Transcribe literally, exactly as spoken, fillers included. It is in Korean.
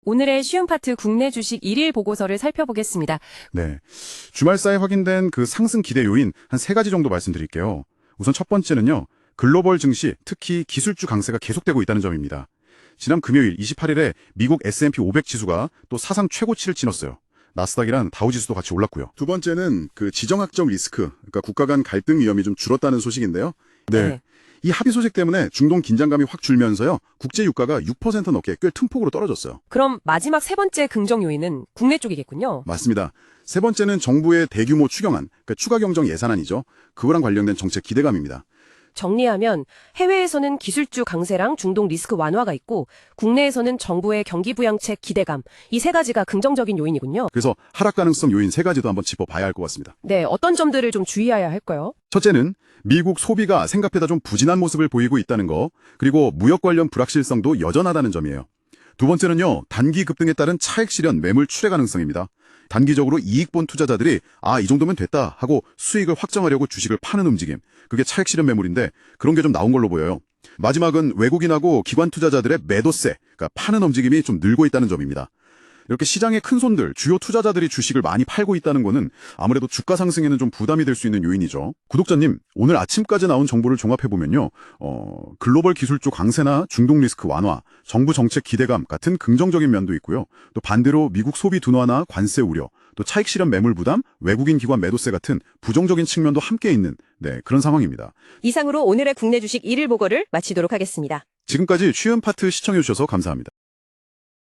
오늘의 쉬운 파트 국내 주식 일일 보고서를 살펴보겠습니다. 네. 주말 사이 확인된 그 상승 기대 요인 한 세 가지 정도 말씀드릴게요. 우선 첫 번째는요. 글로벌 증시, 특히 기술주 강세가 계속되고 있다는 점입니다. 지난 금요일 이십팔 일에 미국 에스 앤 피 오백 지수가 또 사상 최고치를 찍었어요. 나스닥이랑 다우지수도 같이 올랐고요. 두 번째는 그 지정학적 리스크, 그러니까 국가 간 갈등 위험이 좀 줄었다는 소식인데요. 네. 네. 이 합의 소식 때문에 중동 긴장감이 확 줄면서요. 국제 유가가 육 퍼센트 넘게 꽤 큰 폭으로 떨어졌어요. 그럼 마지막 세 번째 긍정 요인은 국내 쪽이겠군요. 맞습니다. 세 번째는 정부의 대규모 추경안, 그러니까 추가 경정 예산안이죠. 그거랑 관련된 정책 기대감입니다. 정리하면 해외에서는 기술주 강세랑 중동 리스크 완화가 있고 국내에서는 정부의 경기 부양책 기대감, 이 세 가지가 긍정적인 요인이군요. 그래서 하락 가능성 요인 세 가지도 한번 짚어봐야 할 것 같습니다. 네, 어떤 점들을 좀 주의해야 할까요? 첫째는 미국 소비가 생각보다 좀 부진한 모습을 보이고 있다는 거, 그리고 무역 관련 불확실성도 여전하다는 점이에요. 두 번째는요, 단기 급등에 따른 차익 실현 매물 출회 가능성입니다. 단기적으로 이익 본 투자자들이 아, 이 정도면 됐다 하고 수익을 확정하려고 주식을 파는 움직임, 그게 차익 실현 매물인데 그런 게 좀 나온 걸로 보여요. 마지막은 외국인하고 기관 투자자들의 매도세, 그러니까 파는 움직임이 좀 늘고 있다는 점입니다. 이렇게 시장의 큰 손들, 주요 투자자들이 주식을 많이 팔고 있다는 거는 아무래도 주가 상승에는 좀 부담이 될 수 있는 요인이죠. 구독자님, 오늘 아침까지 나온 정보를 종합해보면요. 어, 글로벌 기술주 강세나 중동 리스크 완화, 정부 정책 기대감 같은 긍정적인 면도 있고요. 또 반대로 미국 소비 둔화나 관세 우려, 또 차익 실현 매물 부담, 외국인 기관 매도세 같은 부정적인 측면도 함께 있는 네, 그런 상황입니다. 이상으로 오늘의 국내 주식 일일 보고를 마치도록 하겠습니다. 지금까지 쉬운 파트 시청해주셔서 감사합니다.